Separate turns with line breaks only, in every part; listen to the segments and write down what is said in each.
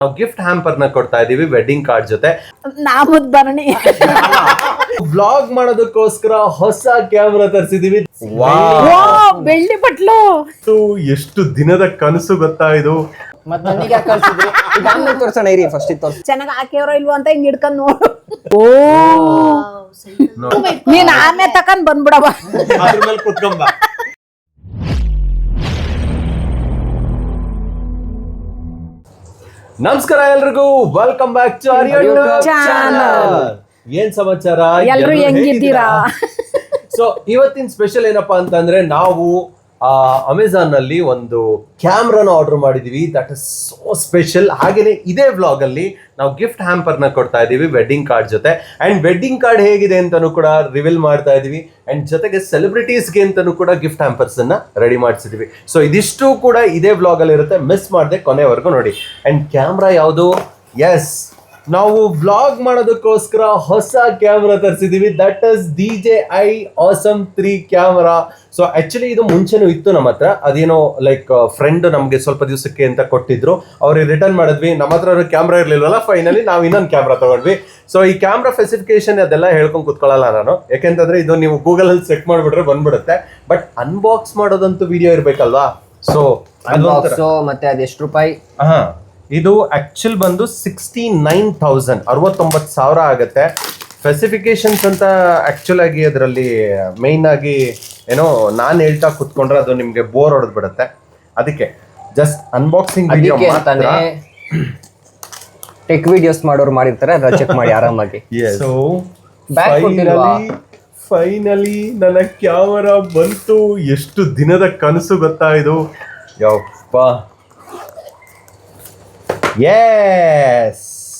ನಾವು gift hamper ನ ಕೊಡ್ತಾ ಇದೀವಿ ವೆಡ್ಡಿಂಗ್ ಕಾರ್ಡ್ ಜೊತೆ.
ನಾಮದ್ ಭರಣಿ
ವ್ಲಾಗ್ ಮಾಡೋದಕ್ಕೋಸ್ಕರ ಹೊಸ ಕ್ಯಾಮ್ರಾ ತರಿಸಿದೀವಿ.
ಬೆಳ್ಳಿ ಬಟ್ಲು
ಎಷ್ಟು ದಿನದ ಕನಸು ಗೊತ್ತಾ ಇದು.
ಮತ್ತೆ ನನಗೆ ಯಾಕೆ ಕಳ್ಸಿದ್ರಿ? ಈಗ ಆಮೇಲೆ ತೋರ್ಸೋಣ ಇರಿ, ಫಸ್ಟ್ ಇದು ತೋರ್ಸಿ.
ಚೆನ್ನಾಗಿ ಹಾಕ್ಯವರೋ ಇಲ್ವೋ ಅಂತ ಹಿಂಗ್ ಹಿಡ್ಕೊಂಡ್ ನೋಡು. ನೀನ್ ಆಮೇಲೆ ತಕೊಂಡ್ ಬಂದ್ಬಿಡವ.
ಅದ್ರ ಮೇಲೆ ಕುತ್ಕೊಂಬ. ನಮಸ್ಕಾರ ಎಲ್ರಿಗೂ, welcome back to Aryan channel. ಏನ್ ಸಮಾಚಾರ,
ಎಲ್ರು ಹೆಂಗಿದ್ದೀರಾ?
ಸೊ ಇವತ್ತಿನ ಸ್ಪೆಷಲ್ ಏನಪ್ಪಾ ಅಂತಂದ್ರೆ, ನಾವು ಅಮೆಝಾನ್ ನಲ್ಲಿ ಒಂದು ಕ್ಯಾಮ್ರಾನ ಆರ್ಡರ್ ಮಾಡಿದೀವಿ. That is so special. ಹಾಗೇನೆ ಇದೇ ವ್ಲಾಗ್ ಅಲ್ಲಿ ನಾವು ಗಿಫ್ಟ್ ಹ್ಯಾಂಪರ್ ನ ಕೊಡ್ತಾ ಇದೀವಿ ವೆಡ್ಡಿಂಗ್ ಕಾರ್ಡ್ ಜೊತೆ. ಅಂಡ್ ವೆಡ್ಡಿಂಗ್ ಕಾರ್ಡ್ ಹೇಗಿದೆ ಅಂತಾನು ಕೂಡ ರಿವೀಲ್ ಮಾಡ್ತಾ ಇದೀವಿ. ಅಂಡ್ ಜೊತೆಗೆ ಸೆಲೆಬ್ರಿಟೀಸ್ಗೆ ಅಂತಾನು ಕೂಡ ಗಿಫ್ಟ್ ಹ್ಯಾಂಪರ್ಸ್ ಅನ್ನ ರೆಡಿ ಮಾಡಿಸಿದೀವಿ. ಸೊ ಇದಿಷ್ಟು ಕೂಡ ಇದೇ ವ್ಲಾಗ್ ಅಲ್ಲಿ ಇರುತ್ತೆ, ಮಿಸ್ ಮಾಡದೆ ಕೊನೆವರೆಗೂ ನೋಡಿ. ಅಂಡ್ ಕ್ಯಾಮ್ರಾ ಯಾವುದು? ಎಸ್, ನಾವು ವ್ಲಾಗ್ ಮಾಡೋದಕ್ಕೋಸ್ಕರ ಹೊಸ ಕ್ಯಾಮ್ರಾ ತರಿಸಿದೀವಿ. That is DJI Awesome 3 camera. So actually ಇದು ಮುಂಚೆನೂ ಇತ್ತು ನಮ್ಮ ಹತ್ರ. ಅದೇನೋ ಲೈಕ್ ಫ್ರೆಂಡ್ ನಮ್ಗೆ ಸ್ವಲ್ಪ ದಿವಸಕ್ಕೆ ಅಂತ ಕೊಟ್ಟಿದ್ರು, ಅವ್ರಿಗೆ ರಿಟರ್ನ್ ಮಾಡಿದ್ವಿ. ನಮ್ಮ ಹತ್ರ ಕ್ಯಾಮ್ರಾ ಇರ್ಲಿಲ್ವಲ್ಲ, ಫೈನಲಿ ನಾವು ಇನ್ನೊಂದು ಕ್ಯಾಮ್ರಾ ತಗೊಂಡ್ವಿ. ಸೊ ಈ ಕ್ಯಾಮ್ರಾ ಸ್ಪೆಸಿಫಿಕೇಶನ್ ಅದೆಲ್ಲ ಹೇಳ್ಕೊಂಡು ಕುತ್ಕೊಳ್ಳಲ್ಲ ನಾನು, ಯಾಕೆಂತಂದ್ರೆ ಇದು ನೀವು ಗೂಗಲ್ ಅಲ್ಲಿ ಚೆಕ್ ಮಾಡ್ಬಿಟ್ರೆ ಬಂದ್ಬಿಡುತ್ತೆ. ಬಟ್ ಅನ್ಬಾಕ್ಸ್ ಮಾಡೋದಂತೂ ವಿಡಿಯೋ ಇರ್ಬೇಕಲ್ವಾ. ಸೊ
ಮತ್ತೆ ಅದೆಷ್ಟು ರೂಪಾಯಿ?
ಇದು ಆಕ್ಚುಲ್ ಬಂದು 69,000 69,000 ಆಗುತ್ತೆ. ಸ್ಪೆಸಿಫಿಕೇಶನ್ಸ್ ಅಂತ ಆಕ್ಚುಲ್ ಆಗಿ ಅದರಲ್ಲಿ ಮೇನ್ ಆಗಿ ಏನೋ ನಾನು ಹೇಳ್ತಾ ಕುತ್ಕೊಂಡ್ರೆ ಅದು ನಿಮ್ಗೆ ಬೋರ್ ಹೊಡೆದ್ ಬಿಡುತ್ತೆ. ಅದಕ್ಕೆ ಜಸ್ಟ್ ಅನ್ಬಾಕ್ಸಿಂಗ್ ವಿಡಿಯೋ ಮಾಡ್ತಾನೆ.
ಟೆಕ್ ವಿಡಿಯೋಸ್ ಮಾಡೋರು ಮಾಡಿರ್ತಾರೆ, ಅದನ್ನ ಚೆಕ್ ಮಾಡಿ ಆರಾಮಾಗಿ.
ಸೊ
ಬ್ಯಾಗ್
ಫೈನಲಿ ನನ್ನ ಕ್ಯಾಮರಾ ಬಂತು. ಎಷ್ಟು ದಿನದ ಕನಸು ಗೊತ್ತಾ ಇದು. ಯಪ್ಪ, yes,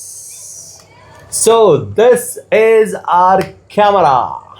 so this is our camera.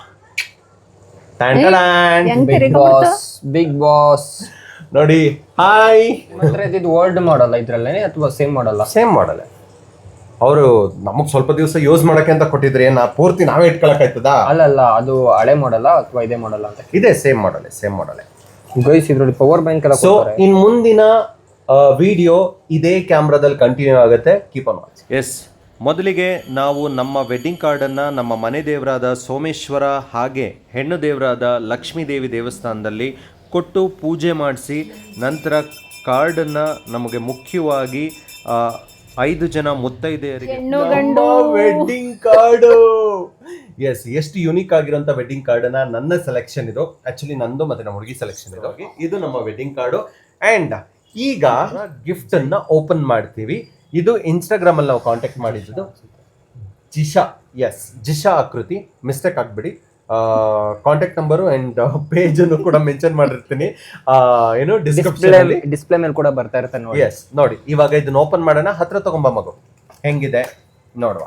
Big boss
ನೋಡಿ. ಹಾಯ್,
ಇದು ಓಲ್ಡ್ ಮಾಡಲ್ ಇದ್ರಲ್ಲೇನೆ ಅಥವಾ ಸೇಮ್ ಮಾಡಲ್ಲ?
Same model. ಅವರು ನಮಗ್ ಸ್ವಲ್ಪ ದಿವಸ ಯೂಸ್ ಮಾಡಕ್ಕೆ ಅಂತ ಕೊಟ್ಟಿದ್ರೆ ಪೂರ್ತಿ ನಾವೇ ಇಟ್ಕೊಳಕ್ ಆಯ್ತದ?
ಅಲ್ಲ, ಅದು ಹಳೆ ಮಾಡಲ್ಲ ಅಥವಾ ಇದೇ ಮಾಡಲ್ಲ ಅಂತ?
ಇದೆ, ಸೇಮ್ ಮಾಡಲ್.
ಗೈಸ್, ಇದ್ರಲ್ಲಿ ಪವರ್ ಬ್ಯಾಂಕ್ ಎಲ್ಲ ಕೊಡ್ತಾರೆ.
ಇನ್ ಮುಂದಿನ ವಿಡಿಯೋ ಇದೇ ಕ್ಯಾಮ್ರಾದಲ್ಲಿ ಕಂಟಿನ್ಯೂ ಆಗುತ್ತೆ. Keep on watch. ಎಸ್, ಮೊದಲಿಗೆ ನಾವು ನಮ್ಮ ವೆಡ್ಡಿಂಗ್ ಕಾರ್ಡನ್ನು ನಮ್ಮ ಮನೆ ದೇವರಾದ ಸೋಮೇಶ್ವರ ಹಾಗೆ ಹೆಣ್ಣು ದೇವರಾದ ಲಕ್ಷ್ಮೀ ದೇವಿ ದೇವಸ್ಥಾನದಲ್ಲಿ ಕೊಟ್ಟು ಪೂಜೆ ಮಾಡಿಸಿ, ನಂತರ ಕಾರ್ಡನ್ನು ನಮಗೆ ಮುಖ್ಯವಾಗಿ 5 ಜನ ಮುತ್ತೈದೆಯರಿಗೆ ವೆಡ್ಡಿಂಗ್ ಕಾರ್ಡು. ಎಸ್, ಎಷ್ಟು ಯುನೀಕ್ ಆಗಿರೋಂಥ ವೆಡ್ಡಿಂಗ್ ಕಾರ್ಡನ್ನ ನನ್ನ ಸೆಲೆಕ್ಷನ್ ಇದು. ಆಕ್ಚುಲಿ ನಂದು ಮತ್ತೆ ನಮ್ಮ ಹುಡುಗಿ ಸೆಲೆಕ್ಷನ್ ಇದು ನಮ್ಮ ವೆಡ್ಡಿಂಗ್ ಕಾರ್ಡು. ಅಂಡ್ ಈಗ ಗಿಫ್ಟ್ ಅನ್ನ ಓಪನ್ ಮಾಡ್ತೀವಿ. ಇದು ಇನ್ಸ್ಟಾಗ್ರಾಮ್ ಅಲ್ಲಿ ನಾವು ಕಾಂಟ್ಯಾಕ್ಟ್ ಮಾಡಿದ್ದು ಜಿಶಾ. ಎಸ್, ಜಿಶಾ ಆಕೃತಿ, ಮಿಸ್ಟೇಕ್ ಆಗ್ಬಿಡಿ. ಕಾಂಟ್ಯಾಕ್ಟ್ ನಂಬರು ಅಂಡ್ ಪೇಜ್ ಅನ್ನು ಕೂಡ ಮೆನ್ಷನ್ ಮಾಡಿರ್ತೀನಿ. ಏನು
ಡಿಸ್ಪ್ಲೇ ಮೇಲೆ ಕೂಡ ಬರ್ತಾ ಇರುತ್ತೆ ನೋಡಿ.
ಎಸ್, ನೋಡಿ ಇವಾಗ ಇದನ್ನ ಓಪನ್ ಮಾಡೋಣ. ಹತ್ರ ತಗೊಂಬ ಮಗು, ಹೆಂಗಿದೆ ನೋಡುವ,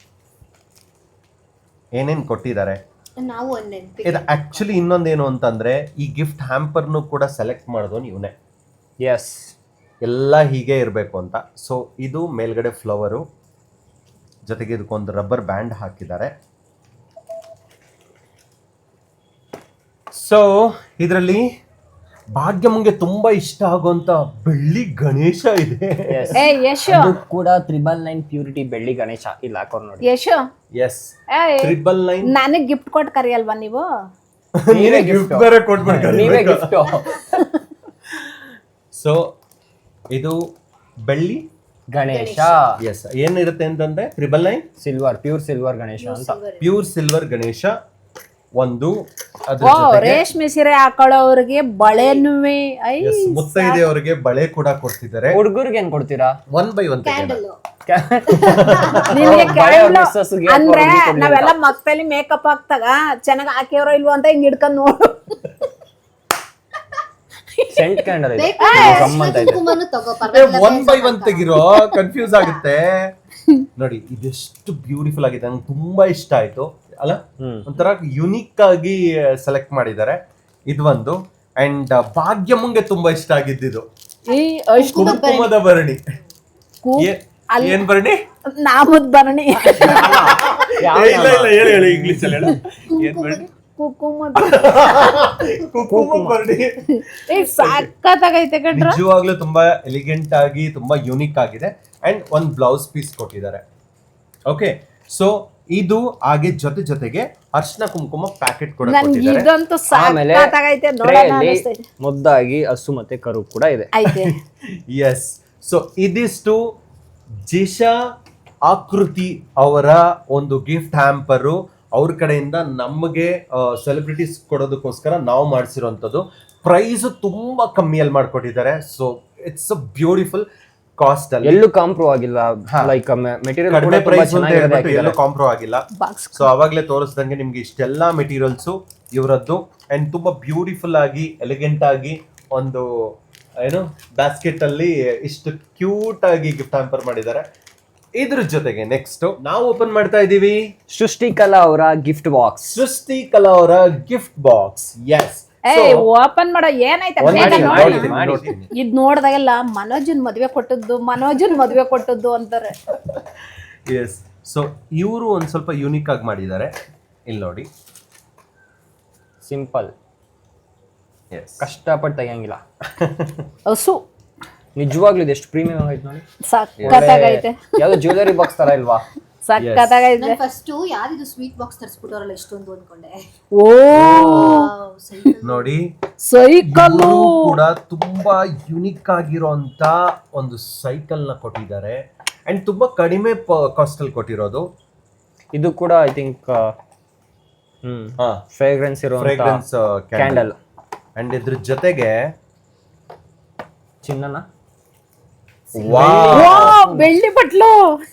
ಏನೇನ್ ಕೊಟ್ಟಿದ್ದಾರೆ. ಇದು ಆಕ್ಚುಲಿ ಇನ್ನೊಂದೇನು ಅಂತಂದ್ರೆ, ಈ ಗಿಫ್ಟ್ ಹ್ಯಾಂಪರ್ನು ಕೂಡ ಸೆಲೆಕ್ಟ್ ಮಾಡೋದು ಇವನೇ.
ಎಸ್,
ಎಲ್ಲ ಹೀಗೆ ಇರಬೇಕು ಅಂತ. ಸೊ ಇದು ಮೇಲ್ಗಡೆ ಫ್ಲವರು, ಜೊತೆಗೆ ಇದಕ್ಕೊಂದು ರಬ್ಬರ್ ಬ್ಯಾಂಡ್ ಹಾಕಿದ್ದಾರೆ. ಸೊ ಇದರಲ್ಲಿ ಭಾಗ್ಯಮ್ಗೆ ತುಂಬಾ ಇಷ್ಟ ಆಗುವಂತ ಬೆಳ್ಳಿ ಗಣೇಶ ಇದೆ.
ಅದು ಕೂಡ 999 ಪ್ಯೂರಿಟಿ ಬೆಳ್ಳಿ ಗಣೇಶ ಇಲ್ಲಿ ಹಾಕೋರು ನೋಡಿ.
ಯಶು,
ಎಸ್, 999.
ನನಗ್ ಗಿಫ್ಟ್ ಕೊಟ್ಟು ಕರಿಯಲ್ವಾ ನೀವು?
ನೀವೇ ಗಿಫ್ಟ್ ಬೇರೆ ಕೊಟ್ಬಿಡ್ತಾರೆ.
ನೀವೇ ಗಿಫ್ಟ್.
ಸೊ ಇದು ಬೆಳ್ಳಿ
ಗಣೇಶ.
ಎಸ್, ಏನಿರುತ್ತೆ ಅಂತಂದ್ರೆ 999
ಸಿಲ್ವರ್, ಪ್ಯೂರ್ ಸಿಲ್ವರ್ ಗಣೇಶ ಅಂತ.
ಪ್ಯೂರ್ ಸಿಲ್ವರ್ ಗಣೇಶ ಒಂದು.
ರೇಷ್ಮೆ ಸೀರೆ ಹಾಕೊಳ್ಳೋರಿಗೆ ಬಳೆನುವೆ,
ಮುತ್ತೈದೆಯವರಿಗೆ ಬಳೆ ಕೂಡ ಕೊಡ್ತಿದ್ದಾರೆ.
ಹುಡುಗರಿಗೆ ಏನ್ ಕೊಡ್ತೀರಾ?
1 by 1
ಅಂದ್ರೆ ನಾವೆಲ್ಲ ಮಕ್ಕಳಲ್ಲಿ ಮೇಕಪ್ ಹಾಕ್ತಾಗ ಚೆನ್ನಾಗಿ ಹಾಕ್ಯವರೋ ಇಲ್ವೋ ಅಂತ ಹಿಂಗ್ ಹಿಡ್ಕೊಂಡ್ ನೋಡು.
ಸೆಂಟ್ ಕ್ಯಾಂಡಲ್ ಇದೆ.
1 by 1 ತೆಗಿರೋ, ಕನ್ಫ್ಯೂಸ್ ಆಗುತ್ತೆ ನೋಡಿ. ಇದೆಷ್ಟು ಬ್ಯೂಟಿಫುಲ್ ಆಗಿದೆ, ನಂಗೆ ತುಂಬಾ ಇಷ್ಟ ಆಯ್ತು ಅಲ್ಲ. ಒಂಥರ ಯುನೀಕ್ ಆಗಿ ಸೆಲೆಕ್ಟ್ ಮಾಡಿದ್ದಾರೆ. ಇದು ಒಂದು. ಅಂಡ್ ಭಾಗ್ಯಮ್ಮಂಗೆ ತುಂಬಾ ಇಷ್ಟ ಆಗಿದ್ದು ಕುಂಕುಮದ ಭರಣಿ. ಏನ್ ಭರಣಿ?
ನಾಮದ್ ಭರಣಿ.
ಇಲ್ಲ ಹೇಳಿ ಇಂಗ್ಲಿಷ್ ಅಲ್ಲಿ ಹೇಳು. ಏನ್ ಭರಣಿ?
ಕುಕುಮ
ಕುಂಕುಮ ಬರ್ಡಿ
ಸಾಕತ್ತಾಗೈತೆ ಕಣ್ರ.
ನಿಜವಾಗ್ಲೂ ತುಂಬಾ ಎಲಿಗೆಂಟ್ ಆಗಿ ತುಂಬಾ ಯೂನಿಕ್ ಆಗಿದೆ ಅಂಡ್ ಒಂದ್ ಬ್ಲೌಸ್ ಪೀಸ್ ಕೊಟ್ಟಿದ್ದಾರೆ. ಓಕೆ, ಸೊ ಇದು ಹಾಗೆ ಜೊತೆಗೆ ಅರ್ಶನ ಕುಂಕುಮ ಪ್ಯಾಕೆಟ್ ಕೂಡ
ನನ್ಗೆ
ಕೊಟ್ಟಿದ್ದಾರೆ.
ಇದಂತೂ
ಆಮೇಲೆ
ಸಾಕತ್ತಾಗೈತೆ ನೋಡೋಣ ಅನಿಸ್ತೈತೆ.
ಮುದ್ದಾಗಿ ಹಸು ಮತ್ತೆ ಕರು ಕೂಡ ಇದೆ.
ಐತೆ
ಎಸ್, ಸೊ ಇದಿಷ್ಟು ಜಿಶಾ ಆಕೃತಿ ಅವರ ಒಂದು ಗಿಫ್ಟ್ ಹ್ಯಾಂಪರು ಅವ್ರ ಕಡೆಯಿಂದ ನಮಗೆ ಸೆಲೆಬ್ರಿಟೀಸ್ ಕೊಡೋದಕ್ಕೋಸ್ಕರ ನಾವು ಮಾಡಿಸಿರುವಂಥದ್ದು. ಪ್ರೈಸ್ ತುಂಬಾ ಕಮ್ಮಿಯಲ್ಲಿ ಮಾಡ್ಕೊಟ್ಟಿದ್ದಾರೆ. So it's a beautiful cost ಅಲ್ಲಿ
ಎಲ್ಲೂ ಕಾಂಪ್ರೋ ಆಗಿಲ್ಲ. ಲೈಕ್ ಮೆಟೀರಿಯಲ್
ಕಡಿಮೆ ಪ್ರೈಸ್ ಅಂತ ಹೇಳ್ಬಿಟ್ಟು ಎಲ್ಲೂ ಕಾಂಪ್ರೋ ಆಗಿಲ್ಲ.
ಬಾಕ್ಸ್
ಸೊ ಅವಾಗಲೇ ತೋರಿಸ್ದಂಗೆ ನಿಮ್ಗೆ ಇಷ್ಟೆಲ್ಲಾ ಮೆಟೀರಿಯಲ್ಸ್ ಇವರದ್ದು ಅಂಡ್ ತುಂಬಾ ಬ್ಯೂಟಿಫುಲ್ ಆಗಿ ಎಲಿಗೆಂಟ್ ಆಗಿ ಒಂದು ಏನು ಬ್ಯಾಸ್ಕೆಟ್ ಅಲ್ಲಿ ಇಷ್ಟು ಕ್ಯೂಟ್ ಆಗಿ ಗಿಫ್ಟ್ ಹ್ಯಾಂಪರ್ ಮಾಡಿದ್ದಾರೆ. ಇದ್ರ ಜೊತೆಗೆ ನೆಕ್ಸ್ಟ್ ನಾವು ಓಪನ್ ಮಾಡ್ತಾ ಇದೀವಿ
ಸೃಷ್ಟಿಕಲಾ ಅವರ ಗಿಫ್ಟ್ ಬಾಕ್ಸ್.
ಸೃಷ್ಟಿ ಕಲಾ ಅವರ ಗಿಫ್ಟ್ ಬಾಕ್ಸ್. ಎಸ್,
ಓಪನ್ ಮಾಡೋ ಏನೈತೆ ಬೇಗ ನೋಡಿ. ಇದ್ ನೋಡ್ದಾಗೆಲ್ಲ ಮನೋಜನ್ ಮದ್ವೆ ಕೊಟ್ಟದ್ದು ಅಂತಾರೆ.
ಎಸ್, ಸೊ ಇವರು ಒಂದ್ ಸ್ವಲ್ಪ ಯೂನಿಕ್ ಆಗಿ ಮಾಡಿದ್ದಾರೆ. ಇಲ್ಲಿ ನೋಡಿ,
ಸಿಂಪಲ್,
ಎಸ್,
ಕಷ್ಟಪಟ್ಟು ತೆಗಿಯಂಗಿಲ್ಲ.
ಹಸು
ನಿಜವಾಗ್ಲೂ ಇದು ಎಷ್ಟು ಪ್ರೀಮಿಯಂ ಆಗೈತೆ ನೋಡಿ.
ಸಕ್ಕತ್ತಾಗೈತೆ.
ಯಾವ್ದು ಜ್ಯುವೆಲರಿ ಬಾಕ್ಸ್ ತರ ಇಲ್ವಾ?
ಸಕ್ಕತ್ತಾಗೈತೆ.
ಫಸ್ಟ್ ಯಾವ್ದು ಸ್ವೀಟ್ ಬಾಕ್ಸ್ ತರಿಸ್ಬಿಟ್ಟವ್ರಲ್ಲ ಇಷ್ಟೊಂದು ಅನ್ಕೊಂಡೆ.
ಓ
ನೋಡಿ
ಸೈಕಲ್
ಇವ್ರು ಕೂಡ ತುಂಬಾ ಯುನಿಕ್ ಆಗಿರೋಂತ ಒಂದು ಸೈಕಲ್ ನ ಕೊಟ್ಟಿದ್ದಾರೆ ಅಂಡ್ ತುಂಬಾ ಕಡಿಮೆ ಕಾಸ್ಟ್ ಅಲ್ಲಿ ಕೊಟ್ಟಿರೋದು.
ಇದು ಕೂಡ ಐ ಥಿಂಕ್ ಫ್ರೇಗ್ರೆನ್ಸ್ ಇರೋ
ಫ್ರೇಗ್ರೆನ್ಸ್
ಕ್ಯಾಂಡಲ್
ಅಂಡ್ ಇದ್ರ ಜೊತೆಗೆ
ಚಿನ್ನನ
ಬೆಳ್ಳಿ ಬಟ್ಲು.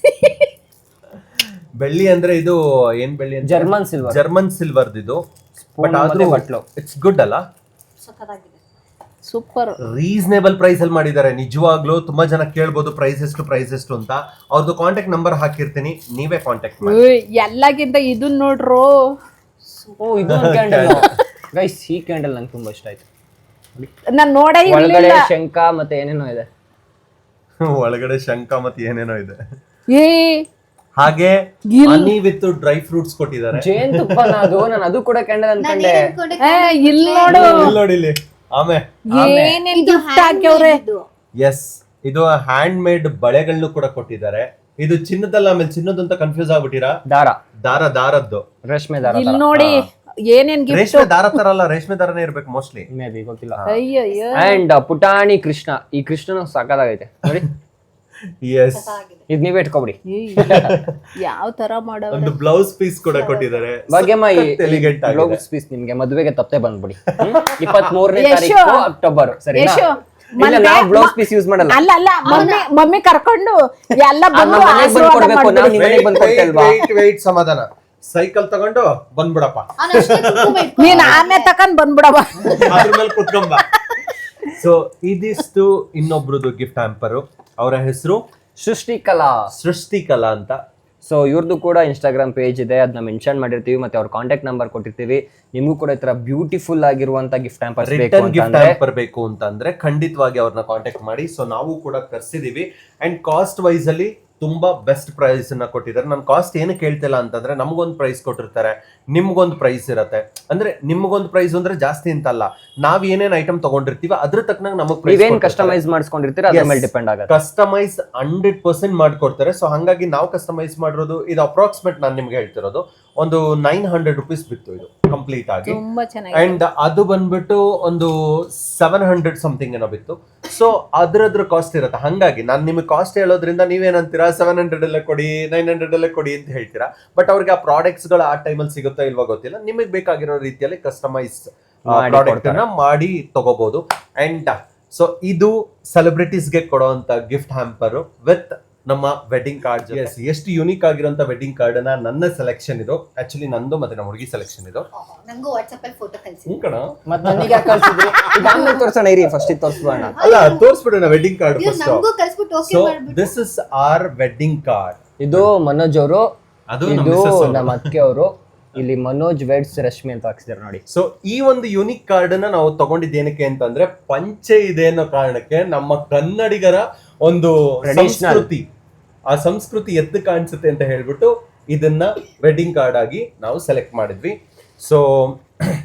ಬೆಳ್ಳಿ ಅಂದ್ರೆ ಇದು ಏನ್ ಬೆಳ್ಳಿ ಅಂತ?
German silver.
ಜರ್ಮನ್ ಸಿಲ್ವರ್ ಇದು. ಬಟ್ ಆದ್ರೂ
ಬಟ್ಲು
ಇಟ್ಸ್ ಗುಡ್ ಅಲ್ಲ?
ಸಖತ್ತಾಗಿದೆ.
ಸೂಪರ್.
ರೀಸನೇಬಲ್ ಪ್ರೈಸ್ ಅಲ್ಲಿ ಮಾಡಿದ್ದಾರೆ. ನಿಜವಾಗ್ಲೂ ತುಂಬಾ ಜನ ಕೇಳ್ಬೋದು ಪ್ರೈಸ್ ಎಷ್ಟು ಅಂತ. ಅವ್ರದ್ದು ಕಾಂಟ್ಯಾಕ್ಟ್ ನಂಬರ್ ಹಾಕಿರ್ತೀನಿ, ನೀವೇ ಕಾಂಟ್ಯಾಕ್ಟ್ ಮಾಡಿ.
ಎಲ್ಲಕ್ಕಿಂತ ಇದನ್ನ ನೋಡ್ರು.
ಓ ಇದು ಕ್ಯಾಂಡಲ್ ಗೈಸ್, ಈ ಕ್ಯಾಂಡಲ್ ನಂಗೆ ತುಂಬಾ ಇಷ್ಟ ಆಯ್ತು.
ನಾನ್ ನೋಡೇ
ಒಳಗಡೆ
ಇರ್ಲಿಲ್ಲ.
ಶಂಖ ಮತ್ತೆ ಏನೇನೋ ಇದೆ.
ಒಳಗಡೆ ಶಂಖ ಮತ್ತೆ ಏನೇನೋ ಇದೆ.
ಏ
ಹಾಗೆ ಹನಿ ವಿತ್ ಡ್ರೈ ಫ್ರೂಟ್ಸ್ ಕೊಟ್ಟಿದ್ದಾರೆ.
ಜೇನುತುಪ್ಪನ ಅದು, ನಾನು ಅದು ಕೂಡ ಕ್ಯಾಂಡಲ್ ಅನ್ಕೊಂಡೆ.
ಇಲ್ಲಿ ನೋಡು
ಇಲ್ಲಿ ನೋಡಿ ಇಲ್ಲಿ.
ಏನೇನ್ ಗಿಫ್ಟ್ ಹಾಕ್ಯವ್ರೆ.
ಎಸ್, ಇದು ಹ್ಯಾಂಡ್ ಮೇಡ್ ಬಳೆಗಳನ್ನು ಕೂಡ ಕೊಟ್ಟಿದ್ದಾರೆ. ಇದು ಚಿನ್ನದಲ್ಲ, ಆಮೇಲೆ ಚಿನ್ನದ ಅಂತ ಕನ್ಫ್ಯೂಸ್ ಆಗ್ಬಿಟ್ಟಿರಾ? ದಾರದ್ದು
ರೇಷ್ಮೆ ದಾರ.
ಇಲ್ಲಿ ನೋಡಿ ಏನೇನ್ ಗಿಫ್ಟ್.
ರೇಷ್ಮೆ ದಾರ ತರ ಅಲ್ಲ, ರೇಷ್ಮೆ ದಾರನೇ ಇರ್ಬೇಕು ಮೋಸ್ಟ್ಲಿ,
ಮೇ ಬಿ, ಗೊತ್ತಿಲ್ಲ.
ಅಯ್ಯಯ್ಯೋ.
ಅಂಡ್ ಪುಟಾಣಿ ಕೃಷ್ಣ, ಈ ಕೃಷ್ಣನು ಸಾಕಾಗೈತೆ ನೋಡಿ.
ಎಸ್,
ಇದ್ ನೀವೇ ಇಟ್ಕೊಬಿಡಿ.
ಯಾವ ತರ ಮಾಡೋ
ಒಂದು ಬ್ಲೌಸ್ ಪೀಸ್ ಕೂಡ ಕೊಟ್ಟಿದ್ದಾರೆ.
ಭಾಗ್ಯಮ್ಮ, ಈ
ಎಲಿಗೆಂಟ್ ಆಗಿದೆ.
ಬ್ಲೌಸ್ ಪೀಸ್ ನಿಮ್ಗೆ ಮದುವೆಗೆ ತಪ್ಪೆ ಬಂದ್ಬಿಡಿ. 23ನೇ ತಾರೀಕು ಅಕ್ಟೋಬರ್, ಸರಿನಾ? ಇಲ್ಲ, ನಾವು ಬ್ಲೌಸ್ ಪೀಸ್ ಯೂಸ್ ಮಾಡಲ್ಲ.
ಅಲ್ಲ ಮಮ್ಮಿ ಕರ್ಕೊಂಡು ಎಲ್ಲ ಬಂದು
ಕೊಡ್ಬೇಕು, ನಾವು ನಿಮ್ಮ ಮನೆಗೆ ಬಂದು ಕೊಡ್ತೇಲ್ವಾ?
ವೇಟ್, ಸಮಾಧಾನ. ಸೈಕಲ್ ತಗೊಂಡು ಬಂದ್ಬಿಡಪ್ಪ,
ನೀನ್ ಆನೆ ತಕೊಂಡ್ ಬಂದ್ಬಿಡವ,
ಅದ್ರ ಮೇಲೆ ಕುತ್ಕೊಂಬ. ಸೊ ಇದಿಷ್ಟು ಇನ್ನೊಬ್ರದ್ದು ಗಿಫ್ಟ್ ಹ್ಯಾಂಪರ್. ಅವರ ಹೆಸರು ಸೃಷ್ಟಿಕಲಾ ಅಂತ.
ಸೊ ಇವ್ರದ್ದು ಕೂಡ ಇನ್ಸ್ಟಾಗ್ರಾಮ್ ಪೇಜ್ ಇದೆ, ಅದನ್ನ ಮೆನ್ಷನ್ ಮಾಡಿರ್ತೀವಿ, ಮತ್ತೆ ಅವ್ರ ಕಾಂಟ್ಯಾಕ್ಟ್ ನಂಬರ್ ಕೊಟ್ಟಿರ್ತೀವಿ. ನಿಮಗೂ ಕೂಡ ಈ ತರ ಬ್ಯೂಟಿಫುಲ್ ಆಗಿರುವಂತ ಗಿಫ್ಟ್ ಹ್ಯಾಂಪರ್
ಬೇಕು ಅಂತಂದ್ರೆ ಖಂಡಿತವಾಗಿ ಅವ್ರನ್ನ ಕಾಂಟ್ಯಾಕ್ಟ್ ಮಾಡಿ. ಸೊ ನಾವು ಕೂಡ ತರಿಸಿದೀವಿ ಅಂಡ್ ಕಾಸ್ಟ್ ವೈಸ್ ಅಲ್ಲಿ ತುಂಬಾ ಬೆಸ್ಟ್ ಪ್ರೈಸ್ ಅನ್ನ ಕೊಟ್ಟಿದ್ದಾರೆ. ನಾನು ಕಾಸ್ಟ್ ಏನು ಕೇಳ್ತಿಲ್ಲ ಅಂತಂದ್ರೆ, ನಮ್ಗೊಂದು ಪ್ರೈಸ್ ಕೊಟ್ಟಿರ್ತಾರೆ, ನಿಮ್ಗೊಂದು ಪ್ರೈಸ್ ಇರತ್ತೆ. ಅಂದ್ರೆ ನಿಮ್ಗೊಂದು ಪ್ರೈಸ್ ಅಂದ್ರೆ ಜಾಸ್ತಿ ಅಂತಲ್ಲ, ನಾವ್ ಏನೇನ್ ಐಟಮ್ ತಗೊಂಡಿರ್ತೀವಿ ಅದ್ರ ತಕ್ಕನಾಗ ನಮಗ್
ನೀವೇನ್ ಕಸ್ಟಮೈಸ್ ಮಾಡಿಸ್ಕೊಂಡಿರ್ತೀರ ಅದ್ರ ಮೇಲೆ ಡಿಪೆಂಡ್ ಆಗುತ್ತೆ.
ಕಸ್ಟಮೈಸ್ 100% ಮಾಡ್ಕೊಡ್ತಾರೆ. ಸೊ ಹಂಗಾಗಿ ನಾವು ಕಸ್ಟಮೈಸ್ ಮಾಡಿರೋದು ಇದು ಅಪ್ರಾಕ್ಸಿಮೇಟ್ ನಾನು ನಿಮ್ಗೆ ಹೇಳ್ತಿರೋದು ಒಂದು 900 rupees ಬಿತ್ತು ಇದು ಕಂಪ್ಲೀಟ್ ಆಗಿ.
ತುಂಬಾ ಚೆನ್ನಾಗಿ.
ಅಂಡ್ ಅದು ಬಂದ್ಬಿಟ್ಟು ಒಂದು 700 ಸಮಥಿಂಗ್ ಏನೋ ಬಿತ್ತು. ಸೊ ಅದ್ರ ಕಾಸ್ಟ್ ಇರುತ್ತೆ. ಹಂಗಾಗಿ ನಾನು ನಿಮಗೆ ಕಾಸ್ಟ್ ಹೇಳೋದ್ರಿಂದ ನೀವೇನಂತೀರಾ 700 ಅಲ್ಲೇ ಕೊಡಿ, 900 ಅಲ್ಲೇ ಕೊಡಿ ಅಂತ ಹೇಳ್ತೀರಾ. ಬಟ್ ಅವ್ರಿಗೆ ಆ ಪ್ರಾಡಕ್ಟ್ಸ್ ಗಳು ಆ ಟೈಮಲ್ಲಿ ಸಿಗುತ್ತಾ ಇಲ್ವಾ ಗೊತ್ತಿಲ್ಲ. ನಿಮಗೆ ಬೇಕಾಗಿರೋ ರೀತಿಯಲ್ಲಿ ಕಸ್ಟಮೈಸ್ ಪ್ರಾಡಕ್ಟ್ ಅನ್ನ ಮಾಡಿ ತಗೋಬಹುದು. ಅಂಡ್ ಸೊ ಇದು ಸೆಲೆಬ್ರಿಟೀಸ್ಗೆ ಕೊಡುವಂತ ಗಿಫ್ಟ್ ಹ್ಯಾಂಪರ್ ವಿತ್ ನಮ್ಮ ವೆಡ್ಡಿಂಗ್ ಕಾರ್ಡ್. ಎಷ್ಟು ಯೂನಿಕ್ ಆಗಿರುವಂತ ವೆಡ್ಡಿಂಗ್ ಕಾರ್ಡ್ ಅನ್ನ ನನ್ನ ಸೆಲೆಕ್ಷನ್ ಇದು. ಆಕ್ಚುಲಿ ನಂದು ಮತ್ತೆ ನಮ್ಮ ಹುಡುಗಿ ಸೆಲೆಕ್ಷನ್ ಇದು.
ನಂಗೂ ವಾಟ್ಸ್ಆಪ್ ಅಲ್ಲಿ ಫೋಟೋ ಕಳಿಸಿ.
ಮತ್ತೆ ನನಗೆ ಯಾಕೆ ಕಳಿಸಿದ್ರಿ? ಇದಾದ್ಮೇಲೆ ತೋರ್ಸೋಣ ಇರಿ, ಫಸ್ಟ್ ಇದು ತೋರಿಸ್ಬೋಣ.
ಅಲ್ಲ, ತೋರಿಸ್ಬಿಡೋಣ ವೆಡ್ಡಿಂಗ್ ಕಾರ್ಡ್ ಫಸ್ಟ್.
ನಂಗೂ ಕಳಿಸ್ಬಿಟ್ಟು ಓಕೆ ಮಾಡ್ಬಿಟ್ಟು.
This is our wedding card.
ಇದು ಮನೋಜ್ ಅವರು,
ಅದು
ಇದು ನಮ್ಮ ಅಕ್ಕೆ ಅವರು. ಇಲ್ಲಿ ಮನೋಜ್ ವೆಡ್ಸ್ ರಶ್ಮಿ ಅಂತ ಹಾಕ್ಸಿದಾರೆ ನೋಡಿ.
ಸೊ ಈ ಒಂದು ಯೂನಿಕ್ ಕಾರ್ಡ್ ಅನ್ನ ನಾವು ತಗೊಂಡಿದ್ದೇನಕ್ಕೆ ಅಂತಂದ್ರೆ, ಪಂಚೆ ಇದೆ ಅನ್ನೋ ಕಾರಣಕ್ಕೆ ನಮ್ಮ ಕನ್ನಡಿಗರ ಒಂದು ಸಂಸ್ಕೃತಿ, ಆ ಸಂಸ್ಕೃತಿ ಎದ್ದು ಕಾಣಿಸುತ್ತೆ ಅಂತ ಹೇಳ್ಬಿಟ್ಟು ಇದನ್ನ ವೆಡ್ಡಿಂಗ್ ಕಾರ್ಡ್ ಆಗಿ ನಾವು ಸೆಲೆಕ್ಟ್ ಮಾಡಿದ್ವಿ. ಸೊ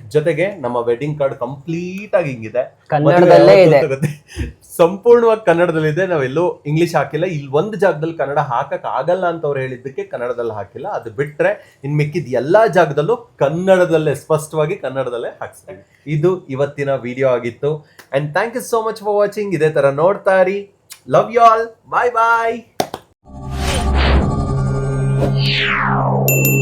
ಜೊತೆಗೆ ನಮ್ಮ ವೆಡ್ಡಿಂಗ್ ಕಾರ್ಡ್ ಕಂಪ್ಲೀಟ್ ಆಗಿ ಹಿಂಗಿದೆ,
ಕನ್ನಡದಲ್ಲೇ ಇದೆ.
ಸಂಪೂರ್ಣವಾಗಿ ಕನ್ನಡದಲ್ಲಿದೆ. ನಾವೆಲ್ಲೂ ಇಂಗ್ಲಿಷ್ ಹಾಕಿಲ್ಲ. ಇಲ್ಲಿ ಒಂದು ಜಾಗದಲ್ಲಿ ಕನ್ನಡ ಹಾಕಕ್ ಆಗಲ್ಲ ಅಂತ ಅವ್ರು ಹೇಳಿದ್ದಕ್ಕೆ ಕನ್ನಡದಲ್ಲಿ ಹಾಕಿಲ್ಲ. ಅದು ಬಿಟ್ರೆ ಇನ್ ಮಿಕ್ಕಿದ ಎಲ್ಲಾ ಜಾಗದಲ್ಲೂ ಕನ್ನಡದಲ್ಲೇ, ಸ್ಪಷ್ಟವಾಗಿ ಕನ್ನಡದಲ್ಲೇ ಹಾಕ್ಸ್ತೀವಿ. ಇದು ಇವತ್ತಿನ ವಿಡಿಯೋ ಆಗಿತ್ತು. And thank you so much for watching. ಇದೇ ತರ ನೋಡ್ತಾ ಇರಿ. Love you all. Bye bye.